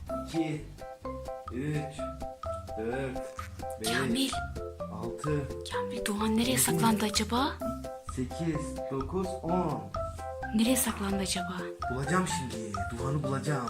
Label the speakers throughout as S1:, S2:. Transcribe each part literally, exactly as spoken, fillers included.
S1: iki, üç, dört, beş,
S2: Kamil.
S1: altı,
S2: Kamil, Doğan nereye saklandı acaba?
S1: sekiz, dokuz, on.
S2: Nereye saklandı acaba?
S1: Bulacağım şimdi. Duhan'ı bulacağım.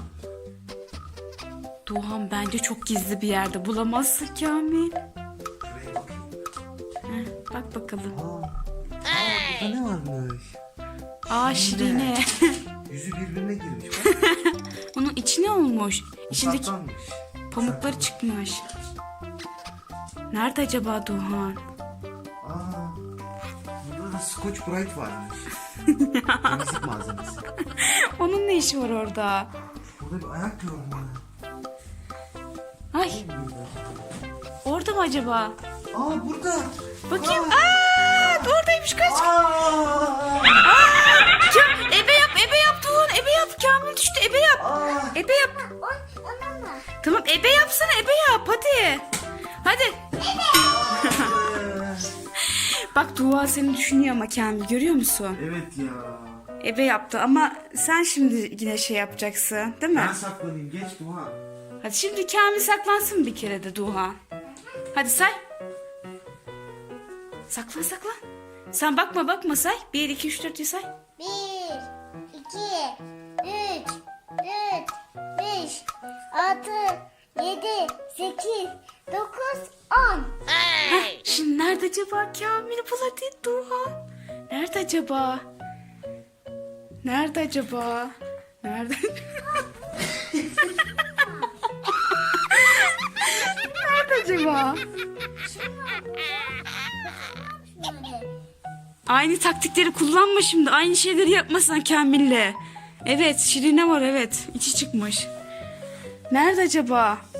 S2: Doğan bence çok gizli bir yerde. Bulamazsın Kamil.
S1: Şuraya bakayım.
S2: Heh, bak bakalım.
S1: Aa, aa burada ne varmış?
S2: Aa Şirine.
S1: Yüzü birbirine girmiş. Bak.
S2: Onun içi ne olmuş? İçindeki
S1: Saklanmış.
S2: pamukları çıkmış. Nerede acaba Doğan?
S1: Aa, burada da Scotch Brite varmış. Temizlik malzemesi.
S2: Onun ne işi var orada?
S1: Burada bir ayak gördüm ben.
S2: Ay, orada mı acaba?
S1: Aa burada.
S2: Bakayım. Aa, oradaymış, kaç.
S1: Aa,
S2: Kam, ebe yap, ebe yap Doğan, ebe yap. Kamil düştü, ebe yap.
S1: aa.
S2: Ebe yap. Tamam, ebe yapsana, ebe yap hadi. Hadi. Bak Dua seni düşünüyor ama Kamil, görüyor musun?
S1: Evet ya.
S2: Ebe yaptı ama sen şimdi yine şey yapacaksın değil mi?
S1: Ben saklanayım. Geç Duhan.
S2: Hadi şimdi Kamil saklansın bir kere de Duha. Hadi say. Saklan saklan. Sen bakma bakma say. Bir, iki, üç, dört diye say.
S3: Bir, iki, üç, dört, beş, altı, yedi, sekiz, dokuz, on.
S2: Heh, şimdi nerede acaba Kamil, bul hadi Duha. Nerede acaba? Nerede acaba? Nerede? Nerede acaba? Aynı taktikleri kullanma şimdi. Aynı şeyleri yapmasan Kamil'le. Evet, Şirine var, evet. İçi çıkmış. Nerede acaba?